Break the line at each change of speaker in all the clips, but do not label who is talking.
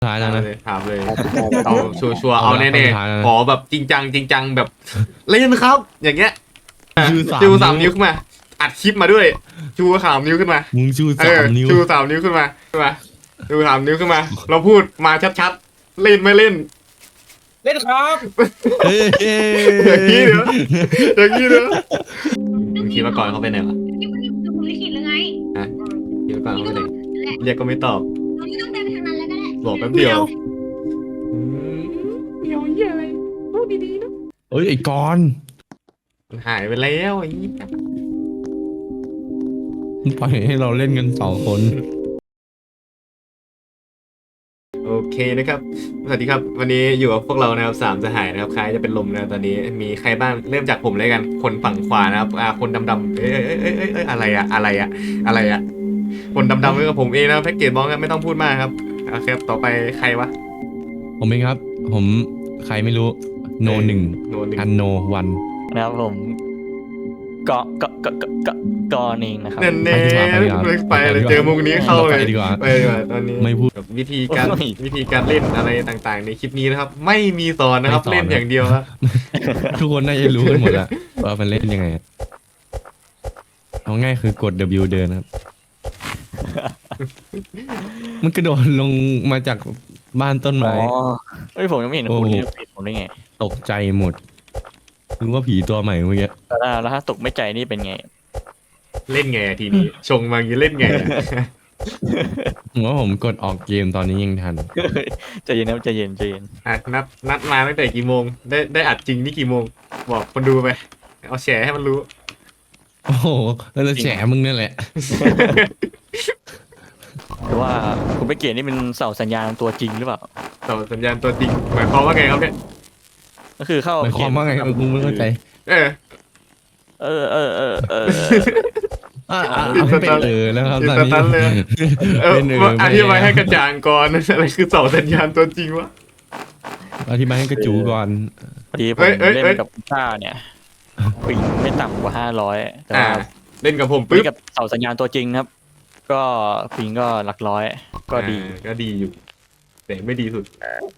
ท้ายแล้วนะ
ถามเลย
เอา
เอาชัวร์ๆเอาแน่ๆขอแบบจริงจังแบบเล่นครับ อย่างเงี้ย ชูสามนิ้วขึ้นมาอัดคลิปมาด้วย ชูสามนิ้วขึ้นมา
มึงชู
เอ
สา
อ
มนิ้ว
ชูสามนิ้วขึ้นมาชูสามนิ้วขึ้นมา เราพูดมาชัดๆเล่นไม่เล่น
เล่นครับ
เฮ้ย
อย่างนี้เดี๋ยวอย่างนี้เดี๋ยวมึงคิดมาก่อนเขาไปไหนวะ
นี่มันคือผมลิขิตหรือไง
คิดมาก่อนเขาไปไหนเรียกก็ไม่ตอบ
เราไม่ต้องเดินไปทางนั้นแล้วก็ได้
บอกแป๊บเดียวเดียวเหี้ยอะไรพูดดีๆนะ
เอ้ยไอ้กอน
มันหายไปแล้วไอ้นี่
ปล่อยให้เราเล่นกัน2 คน
โอเคนะครับสวัสดีครับ วันนี้อยู่กับพวกเรานะครับสามสหายนะครับใครจะเป็นลมนะตอนนี้มีใครบ้างเริ่มจากผมเลยกัน คนฝั่งขวานะครับคนดำๆเอ้ยอะไรอะคนดำๆก็กับผมเองนะแพ็กเกจบอลกันไม่ต้องพูดมากครับโอเคต่อไปใครวะ
ผมเองครับ ผมใครไม่รู้โนหนึ่ง
โนหนึ่ง
อันโนวัน
นะครับผมกอเองนะครับ
เน่ๆไปเลยเจอมุกนี้เข้าเลย
ไปดีกว่า
ไปดีกว่าตอนนี้
ไม่พูด
กับวิธีการเล่นอะไรต่างๆ ในคลิปนี้นะครับ ไม่มีสอนนะครับ
ไม่สอน
เล่นอย่างเดียวครับ
ทุกคนน่าจะรู้กันหมดแล้วว่ามันเล่นยังไงเอาง่ายคือกด W เดินครับ มันกระโดดลงมาจากบ้านต้น
อ๋
ไม้
อเฮ้ยผมยังไม่เห็นคุณนี่ผิดผมได้ไง
ตกใจหมดนึกว่าผีตัวใหม่เมื่อกี้
แล้วถ้าตกไม่ใจนี่เป็นไง
เล่นไงอะทีนี้ ชงมาอย่างนี้เล่นไงอะ
ผมว่าผมกดออกเกมตอนนี้ยังทัน
ใจเย็นนะใจเย็น
อ่ะนัดมาตั้งแต่กี่โมงได้อัดจริงนี่กี่โมง บอกคนดูไป เอาแชร์ให้มันรู้
โอ้โหแล้วจะแฉมึงนั่นแหละ
หรือว่าคุณไปเกียรนี่เป็นเสาสัญญาณตัวจริงหรือเปล่า
ต่อสัญญาณตัวจริงหมายความว่าไงครับเนี่ย
ก็คือเข้า
หมายความว่าไงกูไม่เข้าใจ
เออ
เออ
ไม่เป็นแล้วครับ
ติด
ตอน
ส
นี้
ตันเลย เออ
เป็น
อธิบายให้กระจ่างก่อน อะไรคือเสาสัญญาณตัวจริงวะ
อธิบายให้กระจูก่อน
พอดีผม
เอ้ย
เล่นกับคุณป้าเนี่ยปิงไม่ต่ำกว่า500แต่
อ่า
ว่า
เล่นกับผม
เล่
ปึ๊บ
นกับเสาสัญญาณตัวจริงครับ ก็ปิงก็หลักร้อยก็ดี
ก็ดีอยู่ แต่ไม่ดีสุด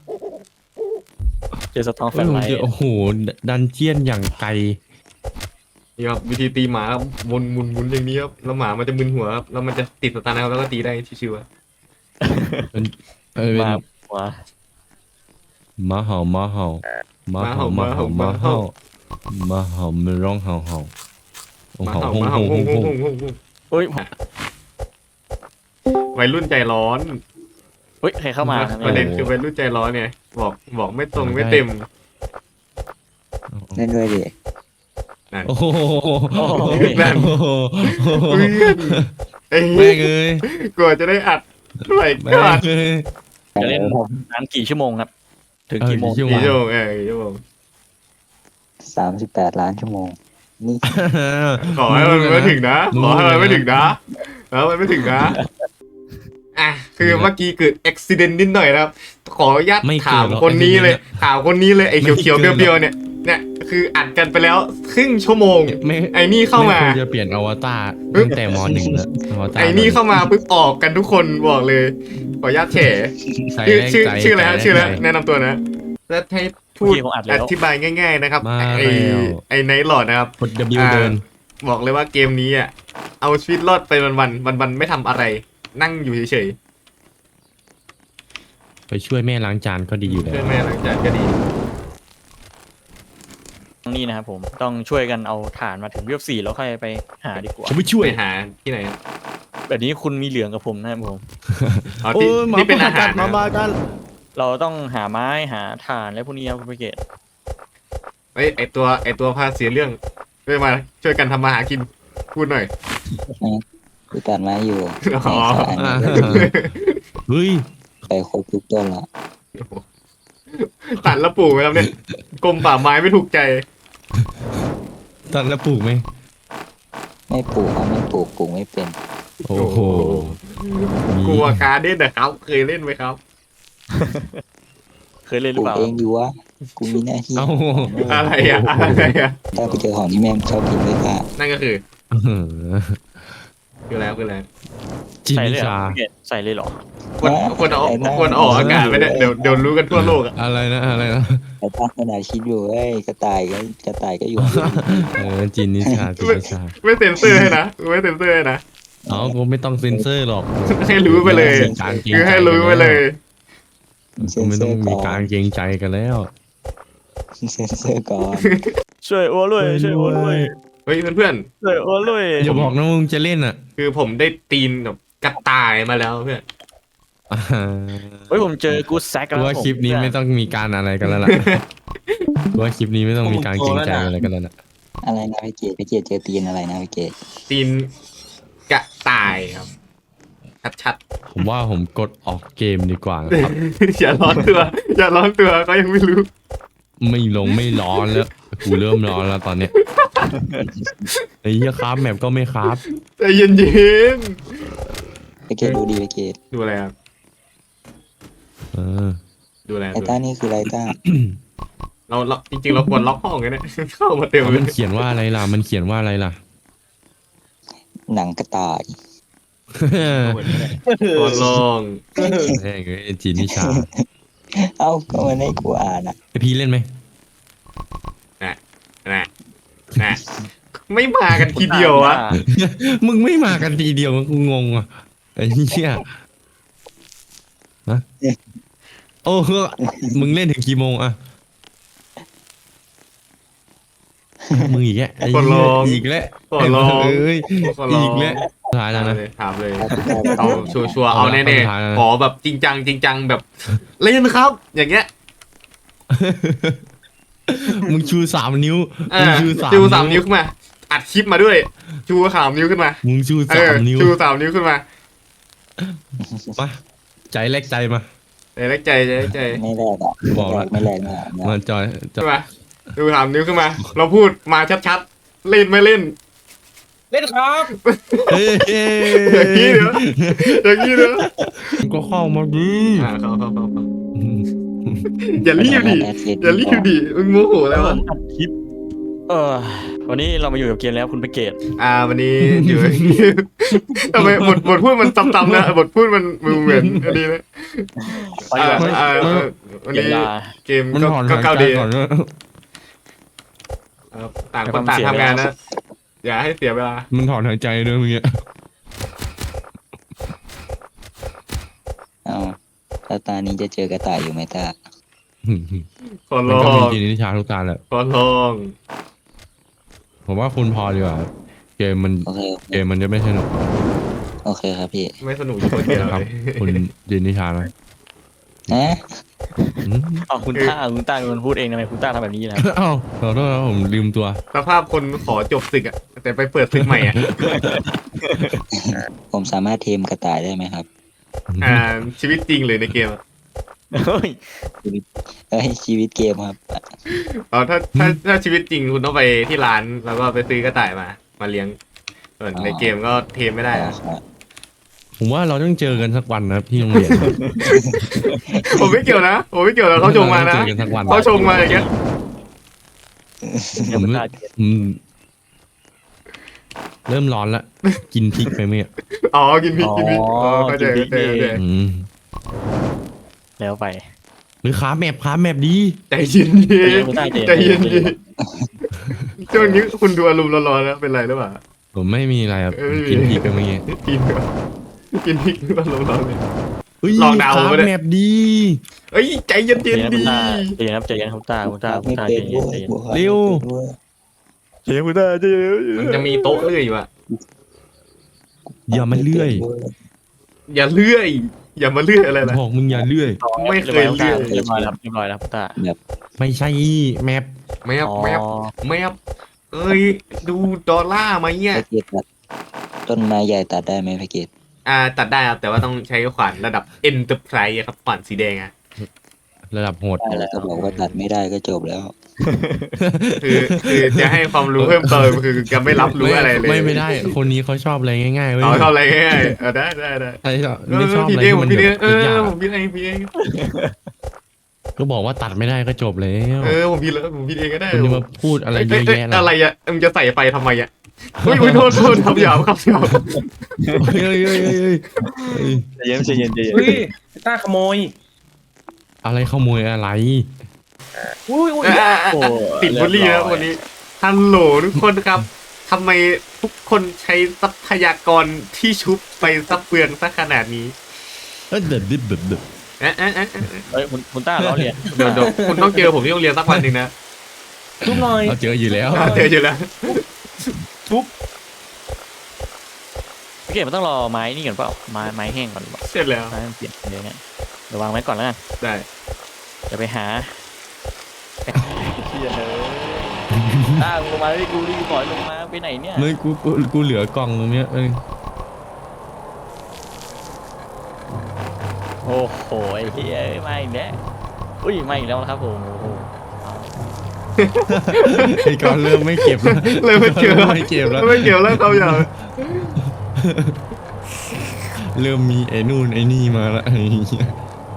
เจอสตองแฟ
เฮ้ย
น
ผม
ไลท์
เจอโอ้โหดันเจียนอย่างไกล
นี่ครับวิธีตีหมาครับหมุนอย่างนี้ครับแล้วหมามันจะมึนหัวครับแล้วมันจะติดสตาร์นะครับแล้วก็ตีได้ชิวๆอะ
เป็น
มาหัว
ม้าเห่าม้าเห่าม้าเห่าม้าเห่าม้าเห่าม้าเห่ามันร้องเห่าเห่า
หมา
เห่า
เห่าหมา
เห่า
เห่า
เห่า
ฮงฮ
เห่าง
ฮงฮง
เฮ้ย
วัยรุ่นใจร้อน
เฮ้ยใครเข้ามาครับ
ประเด็
เนี่ย
นคือวัยรุ่นใจร้อนเนี่ยบอกไม่ตรงไม่เต็ม
เล่นด้วยดิ
นั่น
โอ้โห
นั่น เพื่อนไอ้
แม่งเอ้ย
กลัวจะได้อัดไหล
แม่
กาง ด
เอ้ย
จะเล่นนานกี่ชั่วโมงครับ ถึงกี่โมง
กี่ชั่วโม
กี่ชั่วโมงกี่ชั่วโมง
38 ล้านชั่วโมง นี่
ขอให้มันไม่ถึงนะขอให้มันไม่ถึงนะแล้วมันไม่ถึงนะอ่ะคือเมื่อกี้เกิดอุบิเหตุนิดหน่อยนะครับ ขออนุญาตถามคนนี้เลยถามคนนี้เลยไอ้เขียวๆเบี้ยวๆเนี่ยคืออัดกันไปแล้วครึ่งชั่วโมง
ไม่
ไอ้นี่เข้ามา
ไควรจะเปลี่ยนอวตารตั้งแต่ม .1 แล้วอวตาร
ไอ้นี่เข้ามาปุ๊บออกกันทุกคนบอกเลย ขออนุญาตแฉ
ใส่
ชื่อ
แรง
ชื่ออะไรฮะ
ใจ
ชื่ออะไรแนะนำตัวนะแล้วให้พูด
เมื่อกี้ผมอัด
อ
แล้ว
ธิบายง่าย ๆนะครับ
มา
ไอ้
แล้ว
ไอ้ไนท์หลอดนะครับ
กด W เดิน
บอกเลยว่าเกมนี้อ่ะเอาชีวิตรอดไปวันๆไม่ทำอะไร นั่งอยู่เฉย
ไปช่วยแม่ล้างจานก็ดีอยู่
ๆ
แล้
เพื่อ
วน
แม่หลังจากก็ดี
นี่นะครับผมต้องช่วยกันเอาฐานมาถึงเรียบ4แล้วค่อยไปหาดีกว่า
ผมไปช่วย
ไปหาที่ไหนครับ
แบบนี้คุณมีเหลืองกับผมนะครับผม
อ๋อ
โอ้
ที่
ย
ที่เป็นอาหาร
มา
นะ
บ้ากัน
เราต้องหาไม้หาถ่านและพวกนี้ครับคุณไปเกต
เอ้ยไอตัวพาเสียเรื่องช่วยกันทำมาหากินพูดหน่อย
กูตัดไม้อยู่
อ๋อ
เฮ้ย
ไปครบทุกต้นละ
ตัดแล้วปลูกไหมครับเนี่ยกรมป่าไม้ไม่ถูกใจ
ตัดแล้วปลูกไหม
ไม่ปลูกเขาไม่ปลูกปลูกไม่เป็น
โอ้โห
กลัวการเด่นนะครับ เคยเล่นไหมครับ
เคยเล่นห
ป
รื
ลู
อก เปล่า
เองดีวะ กูมีหน้าที่
เอ้า
อะไรอ่ะ
ถ้าไปเจอของที่แม่งชอบกินไม่กล้า
นั่นก็คือ
อื้อหือ
คือแล้ว
จิน
ใส่
นิ
เลยเหรอ
ชา
คุณไปเกตใส่เลยเหรอ
ควรออกอากาศไม่ได้เดี๋ยวรู้กันทั่วโลกอ่ะ
อะไรนะอะไรนะ
แต่ตั้งขนาดคิดอยู่เอ้ยกระต่ายก็อยู่
จินนิชาจินนิชา
ไม่เซ็นเซอร์ให้นะไม่เซ็นเซอร์ให้นะ
เอากูไม่ต้องเซ็นเซอร์หรอก
ให้รู้ไปเลย
การเกรง
คือ
ใจ
ให้รู้ไปเลย
กูไม่ต้องมีการเกรงใจกันแล้ว
เซ็นเซอร์ก่อน
ช่วยอ้วนด้วยช่วยอ้วนด้วย
เฮ้ยเพื่อน
ช่วยอ้วนด้วย
อย่าบอกนะมึงจะเล่นอ่ะ
ๆคือผมได้ตีนแบบกระต่ายมาแล้วเพื่อน
เฮ้ยผมเจอกูแซก
กู
แล้ว
ว่าคลิปนี้ไม่ต้องมีการอะไรกันแล้วล่ะกูว่าคลิปนี้ไม่ต้องมีการเกรงใจอะไรกันแล้วนะ
อะไรนะพี่เกดเจอตีนอะไรนะพี่เกด
ตีนกระต่ายครับชัด
ผมว่าผมกดออกเกมดีกว่านะครับ
ๆ อย่าร้อนตัวก็ยังไม่รู้
ไม่ลงไม่ร้อนแล้วกูเริ่มร้อนแล้วตอนเนี้ยไอ้เหี้ยครับแมปก็ไม่ครับ
ใจเย็น
พี่เกดดูดีพี่เกด
ๆดูอะไรครับ
เออ
ดูอะไร
ไอต้านี่คืออะไรต้า
เราจริงๆเราควรล็อกห้องกันเนี่ย เข้ามาเต็มเล
มัน
ย
เขียนว่าอะไรล่ะมันเขียนว่าอะไรล่ะ
หนังกระต่าย
ควรลอง
แม่งเอ้ยจีนนิชา
เอ้าก็มันให้กูอ่านอ่ะ
ไอพี่เล่นไหม
นะไม่มากันทีเดียวอะ
มึงไม่มากันทีเดียวกูงงอ่ะไอ้เหี้ยฮะโอ้มึงเล่นถึงกี่โมงอะมึงอีกแล้วไอ้เหี้ยอีกแล้ว
ควรลอง
เอ้ย
ควรลอ
อี
ง
กแล้วท้ายแล้วนะ
ถามเลย
ครับพี่ต้า
เอาชัวร์ๆเอาแน่
เอาละ
ๆขอแบบจริงจังแบบเล่นครับ อย่างเงี้ย
มึงชู3 นิ้ว
อ่า
มึงชู
ชูสามนิ้วขึ้นมา อัดคลิปมาด้วย ชู3 นิ้วขึ้นมา
มึงชู
เออ
3 นิ้ว
ชู3 นิ้วขึ้นมา
มาใจแลกใจมา
ใจเล็กใจ
ไม่แรกอ่ะ
บอกละ
ไม่แรกไม่แรก
มาจอยจอ
ขึ้
ย
นมาชู3 นิ้วขึ้นมา เราพูดมาชัดๆเล่นไม่เล่น
เล่นครับ
เฮ้ย
อย่างนี้เนอะ
มึงก็เข้ามาดิ
เข้าอย่ารีบดิมึงโมโหแล้วอะ
อัดคลิปวันนี้เรามาอยู่กับเกมแล้วคุณไปเกต
วันนี้อยู่ ทำไมบทพูดมันซ้ำๆนะบทพูดมันเหมือนอันนี้นะ
ไปดีกว่า
วัน
เกม
นี้
ลา
เกม
มันถอน
ก็
หาย
เก้า
ใจ
ดี
ก่อนนะ
ต่างคนต่างทำงานนะ อย่าให้เสียเวลา
มันถอนหายใจด้วยเมื่อกี้
เอาแล้วตานี้จะเจอกระต่ายอยู่ไหมตา
ขอ
มั
ล
น
อ
ก็มี
ง
จีนนิชาทุกตาแหละ
ขอลอง
ผมว่าคุณพอดีกว่าเกมมัน
โอเค
เกมมันจะไม่สนุก
โอเคครับพี่
ไม่สนุกอยู่คนเดียว
นะครับ
เลย
คุณจีนนิชานะ
นะ
อืม
อ๋อคุณต้าเป็นคนพูดเองทำไมคุณต้าทำแบบนี้นะ
อ้าวขอโทษนะผมลืมตัว
สภาพคนขอจบศึกอะแต่ไปเปิดศึกใหม่อะ
ผมสามารถเทมกระต่ายได้ไหมครับ
ชีวิตจริงเลยในเกมอะ
เฮ้ย
เอ้ยชีวิตเกมครับ
ถ้าชีวิตจริงคุณต้องไปที่ร้านแล้วก็ไปซื้อกระต่ายมาเลี้ยงส่วนในเกมก็เทมไม่ได้อะ
ผมว่าเราต้องเจอกันสักวันนะครับที่โรงเรียน
ผมไม่เกี่ยวนะเขาชงมานะ
เจอกันสักวัน
เขาชงมาอย่างเงี้ย
เดี๋ยวคุณต้า
อืมเริ่มร้อนละกินพริกไปเมื่อ
อ๋อกินพริกเข้าใจ
อืม
แล้วไป
หรือขาแมปดี
ใจเย็น
คุณต้า
ใจเย็นช่วงนี้คุณดูอารมณ์ร้อนๆนะเป็นไรหรือเปล่า
ผมไม่มีอะไรครับ
เอ้ย
กินพริกไปเมื่อกี้
กินพริกอารมณ์ร้อนเลย
เฮ้ย
ลองเดา
ขา
ไปเลย
แมปดี
เอ้ยใจเย็น
เดี๋ยวนะ
ดี
ใจเย็นคุณต้าคุณต้า
ไม่
ใจ
เป็น
เย็น
ด้วย
ใจเย็น
เร็ว
ใจเย็นคุณต้าใจเย็น
มันจะมีโต๊ะเลื่อยอยู่อะ
อย่ามาเลื่อย
อย่าเลื่อยอย่ามาเลื่อยอะไรนะ
บอกมึงอย่าเลื่อย
ไม่เคยเลื่อย
เรียบร้อยแล้วคุณต้า
ไม่ใช่แมป
แมบเอ้ยดูดอลลาร์มาเนี่ย
พระเกตตัดต้นไม้ใหญ่ตัดได้ไหมพระเกต
ตัดได้ครับแต่ว่าต้องใช้ขวานระดับ Enterprise ครับขวานสีแดงอะ
ระดับโหด
ได้แล้วก็บอกว่าตัดไม่ได้ก็จบแล้ว
คือจะให้ความรู้เพิ่มเติมคือจะไม่รับรู้อะไรเลย
ไม่ได้ คนนี้เขาชอบอะไรง่ายๆเว้ย
เอาเท่าไรง่ายได้
ใช่ไม่ชอบอะไร
พี่
ที่
ผม
มัน
พี่
แบ
เอง
บยาก
ผมพี่เอง
ก็บอกว่าตัดไม่ได้ก็จบแล้ว
ผมผิดแล้วผมผิดเองก็ได้
คุณจะมาพูดอะไรเยอะแยะล่ะ
อะไรอ่ะมึงจะใส่ไฟทำไมอ่ะอุ้ยโทษทำหยาบครับหยาบ
เฮ้ยเฮ้ยเฮ้ยเฮ้ยเฮ้ย
ใจเย็นใจเย็นใจเย็น
เฮ้ยต้าขโมย
อะไรขโมยอะไร
อุ้ยอุ้ย
โอ้
ติดบุหรี่แล้ววันนี้ฮัลโหลทุกคนครับทำไมทุกคนใช้ทรัพยากรที่ชุบไปซับเปลืองซะขนาดนี้
เออเด็ดดิบเด็ดเด็ด
เอ๊ะเอ๊ะเอ๊ะ
เฮ้ยคุณต้าล้อเลียน
เดี๋ยวคุณต้องเจอผมที่โรงเรียนสักวันหนึ่งนะ
ทุบหน่อย
เราเจออยู่แล้ว
เจออยู่แล้ว
พี่เกดมันต้องรอไม้นี่ก่อนเปล่าไม้แห้งก่อนหรือเปล่า
เสร็จแล้ว
ไม้มันเปลี่ยนเดี๋ยวเนี่ยเดี๋ยววางไว้ก่อนแล้วกัน
ได้
เดี๋ยวไปหาเฮียเลยต้าลงมาดิกูรีบปล่อยลงมาไปไหนเนี่ย
ไม่กูเหลือกล่องตรงเนี้ยเออ
โอ้โหไอ้เฮียมาอีกแล้วอุ้ยมาอีกแล้วนะครับผมโอ้โห
ไอ้ก้อนเริ่มไม่เก็บแล้ว
เลยไม่เกี่ยว
ริ่ไม่เก็บแล้ว
ไม่เกี่ยวแล้วเขาอย่าง
เริ่มมีไอ้นู่นไอ้นี่มาละไอ้เหี้ย